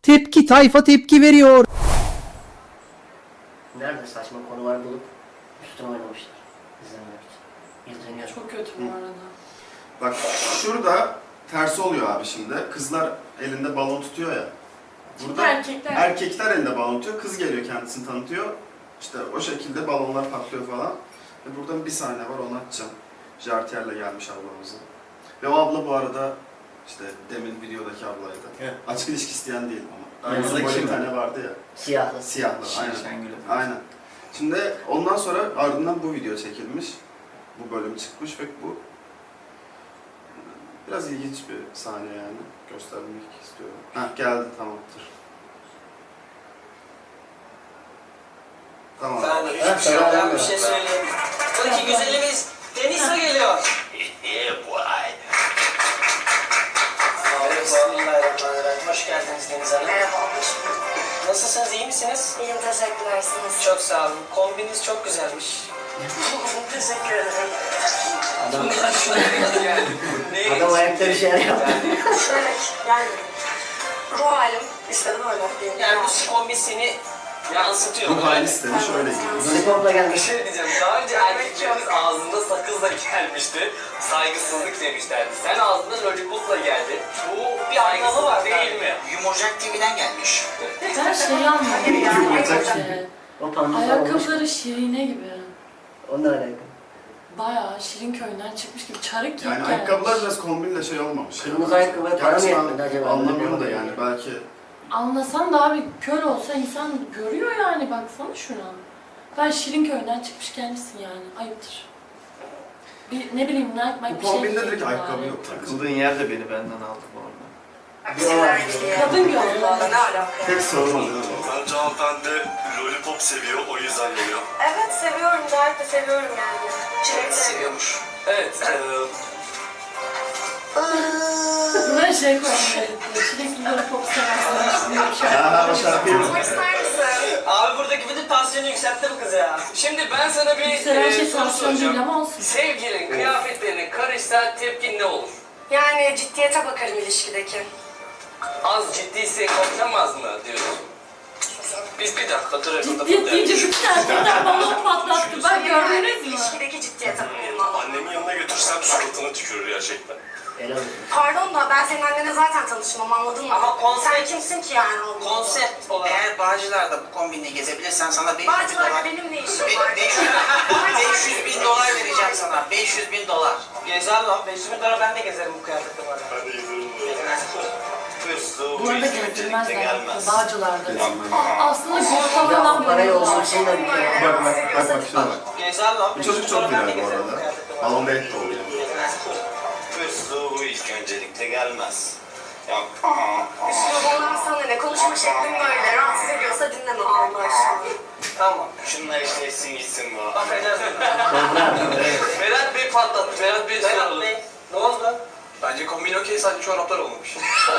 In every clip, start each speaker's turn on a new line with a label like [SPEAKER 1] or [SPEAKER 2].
[SPEAKER 1] Tepki tayfa tepki veriyor.
[SPEAKER 2] Nerede saçma konular bulup üstüne oynamışlar. İzlemek için. İzleniyor.
[SPEAKER 3] Çok kötü bu arada.
[SPEAKER 4] Bak şurada tersi oluyor abi şimdi. Kızlar elinde balon tutuyor ya. Burada erkekler elinde balon tutuyor. Kız geliyor kendisini tanıtıyor. İşte o şekilde balonlar patlıyor falan. Ve burada bir sahne var, onu açacağım. Jartier'le gelmiş ablamızı. Ve o abla bu arada işte demin videodaki ablaydı.
[SPEAKER 2] Evet.
[SPEAKER 4] Açık ilişki isteyen değil ama.
[SPEAKER 2] Evet.
[SPEAKER 4] Aynı bir tane vardı ya.
[SPEAKER 2] Siyahlı.
[SPEAKER 4] Siyahlı. Aynen.
[SPEAKER 5] Şengül'e.
[SPEAKER 4] Aynen. Şimdi ondan sonra ardından bu video çekilmiş. Bu bölüm çıkmış ve bu biraz ilginç bir sahne yani. Göstermek istiyorum. Heh, geldi, tamamdır. Tamam.
[SPEAKER 6] Ben hiçbir şey yok. Ben bir şey söyleyeyim. Buradaki güzelimiz Deniz'e geliyor. Bismillahirrahmanirrahim. Hoş geldiniz Deniz Hanım.
[SPEAKER 7] Merhaba, hoş bulduk.
[SPEAKER 6] Nasılsınız, iyi misiniz?
[SPEAKER 7] İyiyim, teşekkürler. Siz?
[SPEAKER 6] Çok sağ olun. Kombiniz çok güzelmiş.
[SPEAKER 7] Teşekkür ederim.
[SPEAKER 2] Adam ayakta bir şeyler yaptı.
[SPEAKER 7] Şöyle, yani ruh halim işte böyle diyeyim.
[SPEAKER 6] Yani bu kombin seni yansıtıyor.
[SPEAKER 4] Bu hali istemiş, öyle gibi.
[SPEAKER 2] Lollipop'la
[SPEAKER 8] Bir
[SPEAKER 2] gelmiş.
[SPEAKER 8] şey diyeceğim, daha önce erkeklerimiz ağzında sakızla gelmişti, saygısızlık demişlerdi. Sen ağzında lollipopla geldin. Bu bir anlamı var değil mi?
[SPEAKER 6] Yumurcak TV'den gelmiş.
[SPEAKER 3] Ben şeyi anlamadım ya.
[SPEAKER 4] Yumurcak
[SPEAKER 3] bence.
[SPEAKER 2] O pandısa olmuş.
[SPEAKER 3] Ayakkabıları Şirine gibi.
[SPEAKER 2] Onunla alakalı.
[SPEAKER 3] Bayağı Şirin köyünden çıkmış gibi çarık giyip
[SPEAKER 4] Yani
[SPEAKER 3] gelmiş.
[SPEAKER 4] ayakkabılar biraz kombinle şey olmamış.
[SPEAKER 2] Kırmızı ayakkabıya para mı
[SPEAKER 4] Gerçi ben
[SPEAKER 2] yetmedi acaba?
[SPEAKER 4] anlamıyorum da yani belki.
[SPEAKER 3] Anlasan da abi kör olsa insan görüyor yani, baksana şuna. Ben Şirin köyünden çıkmış gelmişsin yani, ayıptır. Bir ne bileyim Nike
[SPEAKER 4] Bu
[SPEAKER 3] bir şey
[SPEAKER 4] kombinde
[SPEAKER 3] giydin
[SPEAKER 4] direkt ayakkabı
[SPEAKER 3] bari.
[SPEAKER 4] yok.
[SPEAKER 5] Takıldığın yerde beni benden aldı bu arada.
[SPEAKER 3] Kadın gözü.
[SPEAKER 7] Ne alaka?
[SPEAKER 4] Tek sorun o değil mi?
[SPEAKER 9] Bence hanımefendi lollipop seviyor, o yüzden geliyor.
[SPEAKER 7] Evet, seviyorum. Gayet de seviyorum yani. Çilek
[SPEAKER 6] Seviyormuş.
[SPEAKER 8] Evet,
[SPEAKER 3] Buraya şey koyayım, çilekli lollipop seversin.
[SPEAKER 4] Ha, o şarkıyı mı?
[SPEAKER 7] Seviyorum. İster misin?
[SPEAKER 6] Abi buradaki bütün tansiyonu yükseltti bu kız ya.
[SPEAKER 8] şimdi ben sana bir
[SPEAKER 3] Yükselen şey
[SPEAKER 8] soru
[SPEAKER 3] tansiyon değil
[SPEAKER 8] soracağım.
[SPEAKER 3] ama olsun.
[SPEAKER 8] Sevgilin kıyafetlerine karışsa tepkin ne olur?
[SPEAKER 7] Yani ciddiyete bakarım ilişkideki.
[SPEAKER 8] Az ciddiyse korksamaz mı diyorsun? Biz bir dakika duralım.
[SPEAKER 3] Ciddiyet deyince bütün erkekler balon patlattı. Ben gördünüz mü?
[SPEAKER 7] İlişkideki ciddiyete bakarım.
[SPEAKER 9] Annemin yanına götürsem suratına tükürür gerçekten.
[SPEAKER 2] Helal olsun.
[SPEAKER 7] Pardon da ben senin annene zaten tanışmam, anladın mı?
[SPEAKER 6] Ama konsept-
[SPEAKER 7] Sen kimsin ki yani? Allah Allah.
[SPEAKER 6] Konsept olarak.
[SPEAKER 10] Eğer Bağcılar'da bu kombinle gezebilirsen sana 500 bin
[SPEAKER 7] Bağcılar'da
[SPEAKER 10] dolar...
[SPEAKER 7] benim ne işim var?
[SPEAKER 10] 500 bin dolar vereceğim sana. 500 bin dolar.
[SPEAKER 6] Gezer lan. 500 bin lira ben de gezerim bu kıyafetle var.
[SPEAKER 9] Ben de gezerim
[SPEAKER 3] Bu arada gezdirmezler. Bağcılar'da.
[SPEAKER 4] Gezdirmez.
[SPEAKER 3] Aslında Gorta falan
[SPEAKER 2] Ya parayı
[SPEAKER 3] böyle
[SPEAKER 2] olsun için de bir kere.
[SPEAKER 4] Bak şuna bak.
[SPEAKER 6] Gezer lan.
[SPEAKER 4] Bu çocuk çok viral bu arada. Balon Bey de oluyor.
[SPEAKER 9] Hırslı bu ilk öncelikle gelmez. Ya
[SPEAKER 7] Ondan sana ne? Konuşma şeklim böyle. Rahatsız ediyorsa dinleme Allah aşkına.
[SPEAKER 6] Tamam.
[SPEAKER 9] şununla eşleşsin gitsin bu.
[SPEAKER 6] Bakacağız.
[SPEAKER 8] Berat Bey patlattı. Berat Bey
[SPEAKER 6] Berat
[SPEAKER 8] soralım.
[SPEAKER 6] Bey. Ne oldu?
[SPEAKER 8] Bence kombin okey, sadece çoraplar olmamış.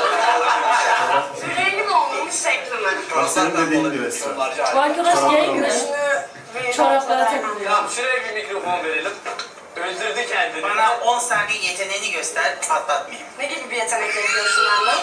[SPEAKER 7] Rengi mi olmamış şekli mi?
[SPEAKER 4] Bak senin dediğin bir resmen.
[SPEAKER 3] Bu arkadaş gay mi?
[SPEAKER 7] Şunu
[SPEAKER 3] Çoraplara takılıyor.
[SPEAKER 8] Tamam, şuraya bir mikrofon verelim. Öldürdü kendini.
[SPEAKER 10] Bana 10 saniye yeteneğini göster, patlatmayayım.
[SPEAKER 7] Ne gibi bir yetenek bekliyorsun benden?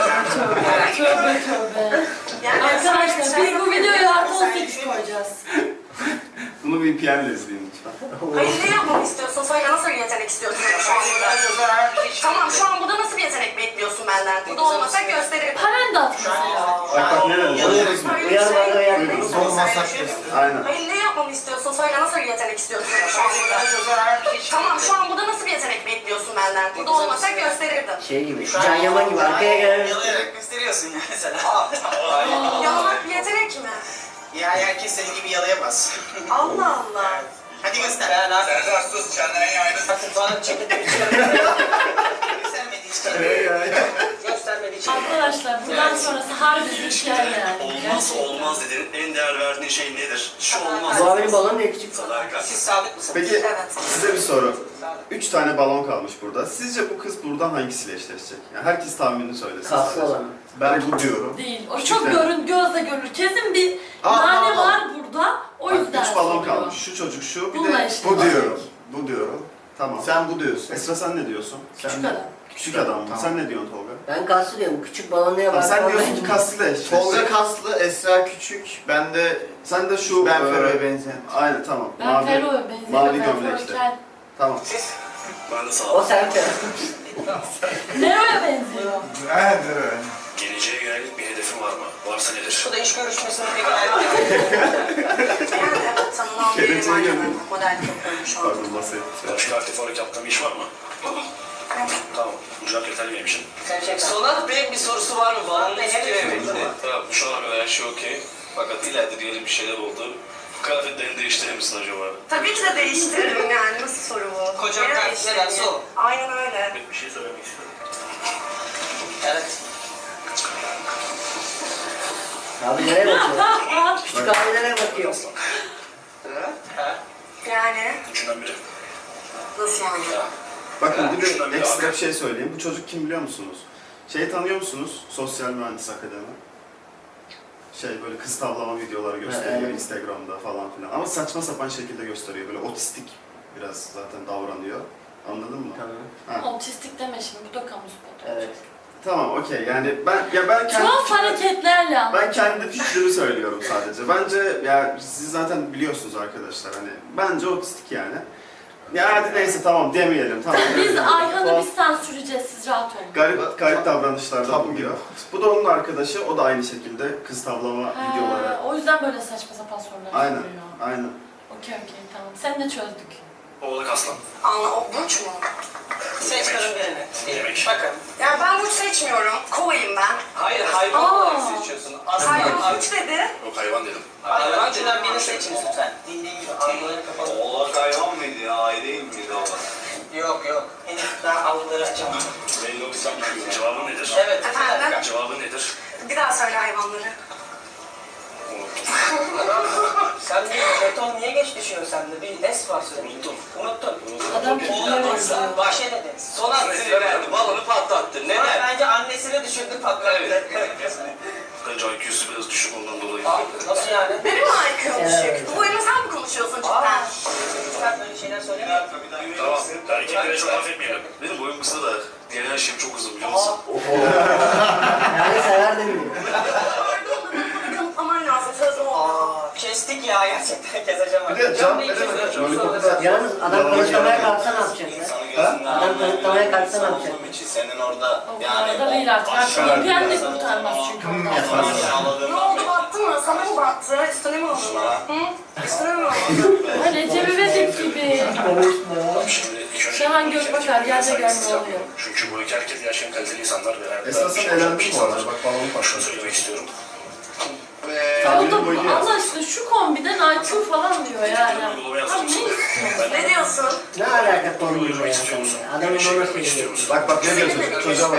[SPEAKER 3] Tövbe tövbe.
[SPEAKER 7] Yani
[SPEAKER 3] Arkadaşlar biz bu videoya artı 18 koyacağız.
[SPEAKER 4] Bunu VPN'le izleyin lütfen.
[SPEAKER 7] Hayır, ne yapmamı istiyorsun? Söyle, nasıl bir yetenek istiyorsun şu an burada? Tamam, şu an burada nasıl bir yetenek bekliyorsun benden? Burada olmasak gösteririm.
[SPEAKER 3] Paren de at mesela.
[SPEAKER 4] Bak ne dedim? Duydunuz mu?
[SPEAKER 2] Uyar bana uyan.
[SPEAKER 4] Aynen.
[SPEAKER 7] Hayır, ne yapmamı istiyorsun? Söyle, nasıl bir yetenek istiyorsun şu an burada? Tamam, şu an burada nasıl bir yetenek bekliyorsun benden? Burada olmasak gösterirdim.
[SPEAKER 2] Şey gibi, Can Yaman gibi arkaya gelen.
[SPEAKER 10] Yalayarak gösteriyorsun ya mesela.
[SPEAKER 7] Yalamak bir yetenek mi?
[SPEAKER 10] Ya herkes senin gibi yalayamaz.
[SPEAKER 7] Allah Allah.
[SPEAKER 10] Hadi göster.
[SPEAKER 6] Ben abi.
[SPEAKER 9] Serdar sus, kendine yaydın.
[SPEAKER 6] Bana çekip
[SPEAKER 10] Göstermediğin için.
[SPEAKER 6] göstermediği için.
[SPEAKER 3] Arkadaşlar buradan sonrası harbi bir hikaye yani.
[SPEAKER 9] Olmaz
[SPEAKER 3] Gerçekten.
[SPEAKER 9] olmaz dedin. En değer verdiğin şey nedir? Şu olmaz.
[SPEAKER 2] Bu abinin balonu niye küçük?
[SPEAKER 9] Sadakat.
[SPEAKER 6] Siz sadık mısınız?
[SPEAKER 4] Peki
[SPEAKER 7] Evet.
[SPEAKER 4] size bir soru. 3 tane balon kalmış burada. Sizce bu kız buradan hangisiyle eşleşecek? Yani herkes tahminini söylesin.
[SPEAKER 2] Kaslı
[SPEAKER 4] sadece.
[SPEAKER 2] olan.
[SPEAKER 4] Ben bu diyorum.
[SPEAKER 3] Değil. O
[SPEAKER 4] Küçük
[SPEAKER 3] çok
[SPEAKER 4] de-
[SPEAKER 3] gözle görülür. Kesin bir
[SPEAKER 4] Aa,
[SPEAKER 3] nane
[SPEAKER 4] aa,
[SPEAKER 3] var burada. O
[SPEAKER 4] Bak
[SPEAKER 3] yüzden
[SPEAKER 4] 3 balon
[SPEAKER 3] soruyor.
[SPEAKER 4] kalmış. Şu çocuk şu. Bir
[SPEAKER 3] Bununla
[SPEAKER 4] de
[SPEAKER 3] eşleşecek.
[SPEAKER 4] bu diyorum. Bu diyorum. Tamam. Sen bu diyorsun. Esra sen ne diyorsun?
[SPEAKER 3] Küçük adam.
[SPEAKER 4] Küçük adam mı? Sen ne diyorsun Tolga?
[SPEAKER 2] Ben kaslı diyorum. Küçük balonluya
[SPEAKER 4] Abi
[SPEAKER 2] bak.
[SPEAKER 4] sen diyorsun ki kaslı da eşleşecek.
[SPEAKER 5] Tolga kaslı, Esra küçük. Ben de
[SPEAKER 4] Sen de şu...
[SPEAKER 5] Ben Fero'ya benzeyen.
[SPEAKER 4] Aynen tamam.
[SPEAKER 3] Ben Fero'ya benziyorum.
[SPEAKER 4] mavi
[SPEAKER 3] Ben
[SPEAKER 4] gömlek
[SPEAKER 3] Fero
[SPEAKER 4] işte.
[SPEAKER 3] kel.
[SPEAKER 4] Tamam.
[SPEAKER 9] Ben de sağ
[SPEAKER 2] O
[SPEAKER 9] ol.
[SPEAKER 2] sen Fero.
[SPEAKER 3] Nero'ya benziyor.
[SPEAKER 5] Evet, evet.
[SPEAKER 9] Geleceğe yönelik bir hedefin var mı? Varsa nedir?
[SPEAKER 10] Bu da iş görüşmesine de geldi.
[SPEAKER 7] Yani evet tanınan biri
[SPEAKER 4] Geleceğe
[SPEAKER 7] var.
[SPEAKER 4] yönelik.
[SPEAKER 7] Model yapıyorum şu an.
[SPEAKER 4] Pardon bahsettim.
[SPEAKER 9] Başka aktif olarak yaptığın bir iş var mı? Tamam. Bu cevap yeterli benim için.
[SPEAKER 10] Sen çek.
[SPEAKER 8] Sonat Bey'in bir sorusu var mı? Bağımlı istiyor emekli.
[SPEAKER 9] Tamam. Şu ana kadar her şey okey. Fakat ileride diyelim bir şeyler oldu. Kıyafetlerini değiştirir misin acaba?
[SPEAKER 7] Tabii ki de değiştiririm yani. Nasıl soru bu?
[SPEAKER 10] Kocam
[SPEAKER 7] Nereye
[SPEAKER 10] ne
[SPEAKER 7] değiştireyim?
[SPEAKER 10] derse o.
[SPEAKER 7] Aynen öyle.
[SPEAKER 9] Bir şey söylemek istiyorum.
[SPEAKER 10] Evet.
[SPEAKER 2] Abi nereye bakıyor? Küçük abi nereye bakıyor?
[SPEAKER 9] Aslan.
[SPEAKER 7] Yani
[SPEAKER 9] Üçünden biri.
[SPEAKER 7] nasıl yani?
[SPEAKER 4] Bakın bir
[SPEAKER 9] Şundan
[SPEAKER 4] de
[SPEAKER 9] bir
[SPEAKER 4] ekstra
[SPEAKER 9] abi.
[SPEAKER 4] bir şey söyleyeyim. Bu çocuk kim biliyor musunuz? Şeyi tanıyor musunuz? Sosyal Mühendis Akademi. Böyle kız tavlama videoları gösteriyor
[SPEAKER 2] evet.
[SPEAKER 4] Instagram'da falan filan. Ama saçma sapan şekilde gösteriyor. Böyle otistik biraz zaten davranıyor. Anladın mı?
[SPEAKER 2] Tamam.
[SPEAKER 4] Ha.
[SPEAKER 3] Otistik deme şimdi, bu da kamu spotu.
[SPEAKER 2] Evet.
[SPEAKER 4] Tamam, okey. Yani ben kendi
[SPEAKER 3] Tuhaf hareketlerle ama.
[SPEAKER 4] ben kendi fikrimi söylüyorum sadece. Bence ya siz zaten biliyorsunuz arkadaşlar, hani bence otistik yani. Ya hadi neyse tamam demeyelim. Tamam.
[SPEAKER 3] Biz Ayhan'ı
[SPEAKER 4] Tuhaf,
[SPEAKER 3] biz sansürleyeceğiz, siz rahat olun.
[SPEAKER 4] garip davranışlarda
[SPEAKER 5] Tabu
[SPEAKER 4] bulunuyor. Bu da onun arkadaşı. O da aynı şekilde kız tavlama videoları.
[SPEAKER 3] O yüzden böyle saçma sapan sorular
[SPEAKER 4] Aynen.
[SPEAKER 3] soruyor.
[SPEAKER 4] Aynen.
[SPEAKER 3] Okey tamam. Sen de çözdük.
[SPEAKER 9] Oğlak aslan.
[SPEAKER 7] Anla o burç mu?
[SPEAKER 10] Seç kadın birini.
[SPEAKER 9] Yemek.
[SPEAKER 10] Bakın.
[SPEAKER 7] Ya ben burç seçmiyorum. Kovayım ben.
[SPEAKER 8] Hayır hayvan
[SPEAKER 3] Aa.
[SPEAKER 8] olarak seçiyorsun. Aslan.
[SPEAKER 7] Hayvan burç dedi.
[SPEAKER 9] Yok hayvan dedim.
[SPEAKER 10] Hayvan türden birini seçin lütfen. Dinleyin gibi algıları kapalı.
[SPEAKER 8] Oğlak hayvan mıydı ya? Ay değil miydi o?
[SPEAKER 10] Yok. Henüz daha algıları açamadım.
[SPEAKER 9] Belli oldu sen düşünüyorsun. Cevabın nedir?
[SPEAKER 10] Evet.
[SPEAKER 7] Efendim?
[SPEAKER 9] Cevabın nedir?
[SPEAKER 7] Bir daha söyle hayvanları.
[SPEAKER 9] Unuttum.
[SPEAKER 10] Sen bir beton niye geç düşüyor sende? Bir es var senin.
[SPEAKER 9] Unuttum.
[SPEAKER 10] Unuttun.
[SPEAKER 3] Adam kime benziyor?
[SPEAKER 10] Bahşe dedi.
[SPEAKER 8] Sonat sinirlendi. Balonu patlattı.
[SPEAKER 10] Ama
[SPEAKER 8] Neden?
[SPEAKER 10] bence annesini düşürdü patlattı.
[SPEAKER 9] Bence IQ'su biraz düşük ondan dolayı.
[SPEAKER 10] Nasıl yani?
[SPEAKER 7] Benim mi IQ'm düşük? Bu oyunu sen mi konuşuyorsun cidden?
[SPEAKER 10] Sen böyle şeyler söyleme.
[SPEAKER 9] Tamam. Erkeklere çok affetmeyelim. Benim boyum kısa da diğer her şeyim çok uzun biliyor musun?
[SPEAKER 2] Yani sever de bilmiyor.
[SPEAKER 7] Kanıtlaman lazım. Söz oldu.
[SPEAKER 10] Kestik ya gerçekten keseceğim.
[SPEAKER 4] Bir de cevap veremedik. Lollipop'ta
[SPEAKER 2] Yalnız adam kanıtlamaya kalksa ne yapacak ya?
[SPEAKER 8] İnsanı gözünden
[SPEAKER 2] Adam kanıtlamaya kalksa ne yapacak?
[SPEAKER 8] olduğum için senin orada
[SPEAKER 3] O kadar da değil artık. VPN de kurtarmaz çünkü ondan.
[SPEAKER 7] Ne oldu battı mı? Sana mı battı? Üstüne mi alındı? Hı? Üstüne mi alındı?
[SPEAKER 3] Recep İvedik gibi.
[SPEAKER 9] Şimdi ilk önce...
[SPEAKER 3] Şahan Gökbakar yerde görme oluyor.
[SPEAKER 9] Çünkü bu iki herkes gerçekten kaliteli insanlar ve...
[SPEAKER 4] Esasında eğlendim bu arada. Bak balonu
[SPEAKER 9] Şunu
[SPEAKER 4] patladı.
[SPEAKER 9] söylemek istiyorum.
[SPEAKER 4] Tabirin boyu
[SPEAKER 3] O
[SPEAKER 4] değil.
[SPEAKER 3] da Allah aşkına şu kombiden IQ falan diyor yani. Abi ne istiyorsun?
[SPEAKER 7] Ne diyorsun?
[SPEAKER 2] Ne alaka konuyla ya sen? Adamın ona söylüyor.
[SPEAKER 4] Bak ne diyor çocuk? Çocuğa bak.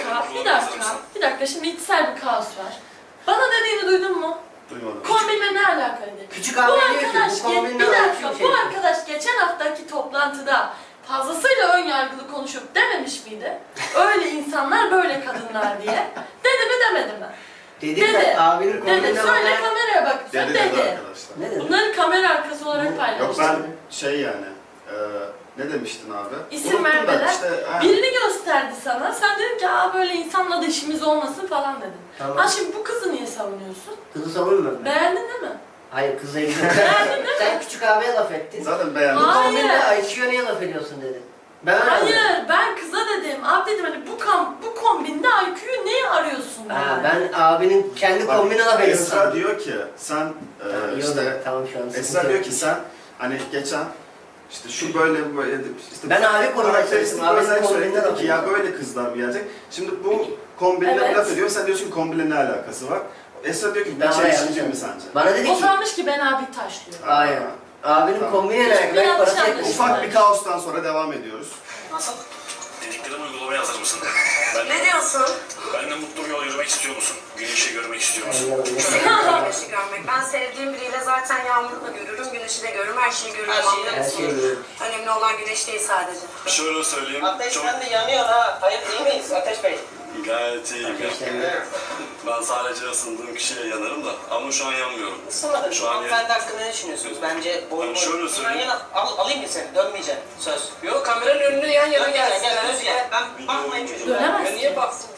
[SPEAKER 3] Bir dakika şimdi içsel bir kaos var. Bana dediğini duydun mu?
[SPEAKER 4] Duymadım.
[SPEAKER 3] Kombinle ne alakaydı?
[SPEAKER 2] Küçük
[SPEAKER 3] Bu
[SPEAKER 2] abi diyor ki
[SPEAKER 3] arkadaş,
[SPEAKER 2] bu kombinle
[SPEAKER 3] bir dakika,
[SPEAKER 2] IQ şey.
[SPEAKER 3] bu arkadaş geçen haftaki toplantıda fazlasıyla ön yargılı konuşup dememiş miydi? Öyle insanlar böyle kadınlar diye. Dedi mi demedi mi?
[SPEAKER 2] Dedi
[SPEAKER 3] Dedi.
[SPEAKER 2] de abinin
[SPEAKER 3] Dedi,
[SPEAKER 2] kombinle
[SPEAKER 3] söyle
[SPEAKER 2] bana...
[SPEAKER 3] kameraya bak.
[SPEAKER 4] Dedi
[SPEAKER 3] Dedi.
[SPEAKER 4] dedi arkadaşlar.
[SPEAKER 2] Ne dedi?
[SPEAKER 3] Bunları kamera arkası olarak
[SPEAKER 4] Yok
[SPEAKER 3] paylaştı.
[SPEAKER 4] ben yani ne demiştin abi?
[SPEAKER 3] İsim
[SPEAKER 4] Unuttum da
[SPEAKER 3] vermeden
[SPEAKER 4] ha.
[SPEAKER 3] birini gösterdi sana. Sen dedin ki aa böyle insanla da işimiz olmasın falan dedin.
[SPEAKER 2] Tamam.
[SPEAKER 3] Ha şimdi bu kızı niye savunuyorsun?
[SPEAKER 2] Kızı savunmuyorum ben.
[SPEAKER 3] Beğendin değil mi?
[SPEAKER 2] Hayır kızla ilgili.
[SPEAKER 3] Beğendin değil mi?
[SPEAKER 2] Sen küçük abiye laf ettin.
[SPEAKER 4] Zaten beğendim.
[SPEAKER 2] Bu
[SPEAKER 3] Hayır.
[SPEAKER 2] kombinle IQ'ya niye laf ediyorsun dedi. Ben öyle anladım.
[SPEAKER 3] Hayır, ben kıza dedim. Abi dedim hani bu kombinde IQ'yu niye arıyorsun?
[SPEAKER 2] Ha,
[SPEAKER 3] yani?
[SPEAKER 2] ben abinin kendi
[SPEAKER 4] Bak,
[SPEAKER 2] kombine laf ediyorsun.
[SPEAKER 4] Esra diyor ki sen
[SPEAKER 2] İyi oldu.
[SPEAKER 4] işte
[SPEAKER 2] Tamam şu an.
[SPEAKER 4] Esra diyor ki sen hani geçen işte şu böyle işte
[SPEAKER 2] Ben abi korumak
[SPEAKER 4] karakteristik
[SPEAKER 2] istedim. Abinin
[SPEAKER 4] özellik
[SPEAKER 2] kombinine
[SPEAKER 4] söyledi
[SPEAKER 2] laf
[SPEAKER 4] ki ya
[SPEAKER 2] ediyorsun.
[SPEAKER 4] böyle kızlar mı gelecek? Şimdi bu kombinle
[SPEAKER 3] Evet.
[SPEAKER 4] laf ediyor. Sen diyorsun ki kombinle ne alakası var? Esra diyor ki
[SPEAKER 2] Ben
[SPEAKER 4] bir
[SPEAKER 2] oraya
[SPEAKER 4] çelişkici
[SPEAKER 2] yanlış
[SPEAKER 4] mi sence?
[SPEAKER 2] Bana dedi
[SPEAKER 3] O
[SPEAKER 2] ki,
[SPEAKER 3] sanmış ki ben abi taşlıyor.
[SPEAKER 2] hayır. Abinin
[SPEAKER 4] Tamam.
[SPEAKER 2] kombine ne
[SPEAKER 3] Hiçbir
[SPEAKER 2] alakası?
[SPEAKER 3] yanlış
[SPEAKER 2] Parası
[SPEAKER 3] anlaşılma.
[SPEAKER 2] etmiş.
[SPEAKER 4] Ufak bir kaostan sonra devam ediyoruz.
[SPEAKER 10] Nasıl?
[SPEAKER 9] Dediklerimi uygulamaya hazır mısın?
[SPEAKER 7] Ne diyorsun?
[SPEAKER 9] Benimle mutlu bir yol yürümek istiyor musun? Güneşi görmek istiyor musun?
[SPEAKER 7] Güneşi görmek. Ben sevdiğim biriyle zaten yağmurla görürüm, güneşi de görürüm, her şeyi görürüm.
[SPEAKER 10] Her şeyi-
[SPEAKER 2] Her şeyi görüyorum.
[SPEAKER 7] Önemli olan güneş değil sadece.
[SPEAKER 9] Şöyle söyleyeyim.
[SPEAKER 10] Ateş
[SPEAKER 9] Çok
[SPEAKER 10] sen de yanıyor ha. Hayır değil miyiz Ateş Bey?
[SPEAKER 9] gayet iyiyim.
[SPEAKER 2] Ateşlenme.
[SPEAKER 9] Ben sadece ısındığım kişiye yanarım da ama şu an yanmıyorum.
[SPEAKER 10] Isınmadın.
[SPEAKER 9] Şu an
[SPEAKER 10] Hanımefendi hakkında ne düşünüyorsunuz? Bence boy
[SPEAKER 9] Ben şöyle söyleyeyim.
[SPEAKER 10] Alayım mı seni? Dönmeyeceğim. Söz.
[SPEAKER 8] Yok kameranın önüne yan yana
[SPEAKER 10] Gel
[SPEAKER 8] gelsin.
[SPEAKER 10] gel düz gel. Ben bakmayın çocuğa.
[SPEAKER 3] Dönemezsin.
[SPEAKER 8] Ya niye baksın?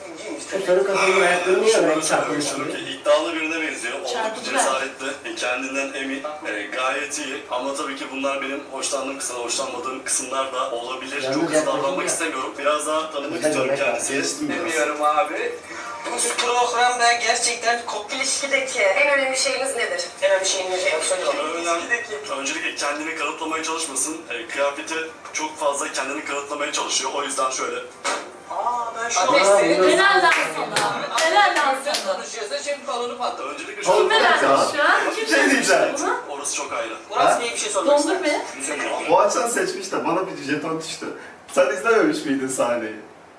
[SPEAKER 2] Şu sarı kafanın ayaklarını niye öyle
[SPEAKER 9] Şunu
[SPEAKER 2] çarpmış
[SPEAKER 9] söylüyorum
[SPEAKER 2] gibi?
[SPEAKER 9] ki iddialı birine benziyor. Oldukça
[SPEAKER 3] Çarpıcı
[SPEAKER 9] cesaretli, kendinden emin, gayet iyi. Ama tabii ki bunlar benim hoşlandığım kısımlar, hoşlanmadığım kısımlar da olabilir.
[SPEAKER 2] Yalnız
[SPEAKER 9] Çok hızlı
[SPEAKER 2] yaklaşınca-
[SPEAKER 9] davranmak istemiyorum. Biraz daha tanımak
[SPEAKER 2] Güzel
[SPEAKER 9] istiyorum
[SPEAKER 2] örnek
[SPEAKER 9] kendisini.
[SPEAKER 4] Geçtim biraz.
[SPEAKER 10] Bilmiyorum abi. Bu programda gerçekten kopil
[SPEAKER 7] İlişkideki en önemli şeyiniz nedir?
[SPEAKER 10] en önemli şeyin ne?
[SPEAKER 9] Öncelikle kendini kanıtlamaya çalışmasın. Kıyafeti çok fazla kendini kanıtlamaya çalışıyor. O yüzden şöyle.
[SPEAKER 10] Ben şu
[SPEAKER 2] Aa,
[SPEAKER 10] an
[SPEAKER 2] bunu-
[SPEAKER 3] Helal lan sana. Helal lan
[SPEAKER 8] Sen
[SPEAKER 3] sana.
[SPEAKER 8] konuşuyorsun şimdi balonu patladı.
[SPEAKER 9] Öncelikle şöyle.
[SPEAKER 3] Kim helal şu an? Kim
[SPEAKER 4] Bir şey diyeceğim.
[SPEAKER 3] bunu?
[SPEAKER 9] Orası çok ayrı.
[SPEAKER 10] Murat Bey'e bir şey sormak
[SPEAKER 3] Dondur
[SPEAKER 10] istedim.
[SPEAKER 3] be.
[SPEAKER 4] O açan seçmiş de bana bir jeton düştü. Sen izlememiş miydin sahneyi?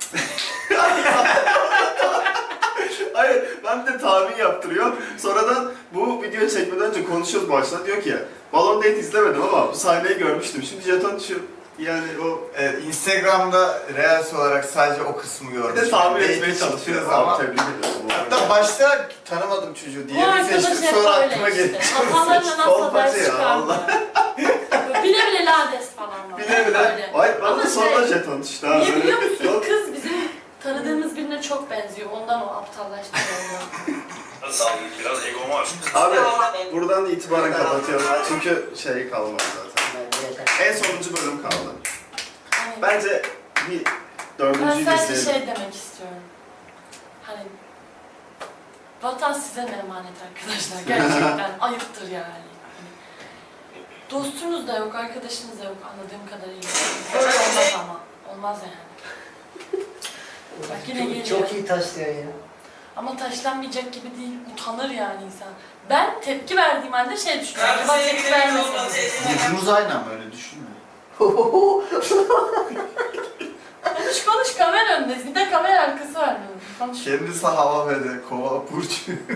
[SPEAKER 4] Hayır, ben de tahmin yaptırıyor. Sonradan bu video çekmeden önce konuşuyoruz başta. Diyor ki, Balon Date izlemedim ama bu sahneyi görmüştüm. Şimdi jeton düşüyor. Yani o...
[SPEAKER 5] Evet, Instagram'da Reels olarak sadece o kısmı
[SPEAKER 4] Bir
[SPEAKER 5] gördüm.
[SPEAKER 4] de tahmin
[SPEAKER 5] Date
[SPEAKER 4] etmeye
[SPEAKER 5] çıktığı
[SPEAKER 4] çalışıyoruz
[SPEAKER 5] zaman-
[SPEAKER 4] ama tebrik ediyorum.
[SPEAKER 5] Hatta başta tanımadım çocuğu
[SPEAKER 3] Bu
[SPEAKER 5] diye bir
[SPEAKER 3] arkadaş
[SPEAKER 5] seçtim,
[SPEAKER 3] hep
[SPEAKER 5] sonra
[SPEAKER 3] böyle
[SPEAKER 5] aklıma
[SPEAKER 3] işte.
[SPEAKER 5] geldi.
[SPEAKER 3] Hatalarına nasıl
[SPEAKER 4] Kolpacı
[SPEAKER 3] ders
[SPEAKER 4] ya,
[SPEAKER 3] çıkarmıyor. Bile bile lades falan var.
[SPEAKER 4] Bile bile.
[SPEAKER 3] Böyle.
[SPEAKER 4] Ay bana
[SPEAKER 3] Ama
[SPEAKER 4] da sonra
[SPEAKER 3] şey,
[SPEAKER 4] jeton düştü ha.
[SPEAKER 3] niye
[SPEAKER 4] Böyle-
[SPEAKER 3] biliyor musun?
[SPEAKER 4] Yok.
[SPEAKER 3] Kız bizim tanıdığımız birine çok benziyor. Ondan o aptallaştırıyor.
[SPEAKER 9] Sağ olun. Biraz egom var.
[SPEAKER 4] Abi buradan itibaren kapatıyorum. Çünkü şey kalmadı zaten.
[SPEAKER 2] Bence yeter.
[SPEAKER 4] En sonuncu bölüm kaldı.
[SPEAKER 3] Hani
[SPEAKER 4] Bence bir
[SPEAKER 3] ben
[SPEAKER 4] dördüncüyü
[SPEAKER 3] sadece
[SPEAKER 4] izleyelim.
[SPEAKER 3] şey demek istiyorum. Hani vatan size mi emanet arkadaşlar? Gerçekten ayıptır yani. Hani, dostunuz da yok, arkadaşınız da yok anladığım kadarıyla. Böyle olmaz ama. Olmaz yani. Bak yine geliyor.
[SPEAKER 2] Çok iyi taşlıyor ya.
[SPEAKER 3] Ama taşlanmayacak gibi değil, utanır yani insan. Ben tepki verdiğim halde şey düşünüyorum. Acaba tepki vermeseydim.
[SPEAKER 5] Yüzümüz aynı ama öyle düşünme.
[SPEAKER 3] Konuş kamera önündeyiz. Bir de kamera arkası var benim. Konuş.
[SPEAKER 5] Kendisi hava verdi, kova burcu.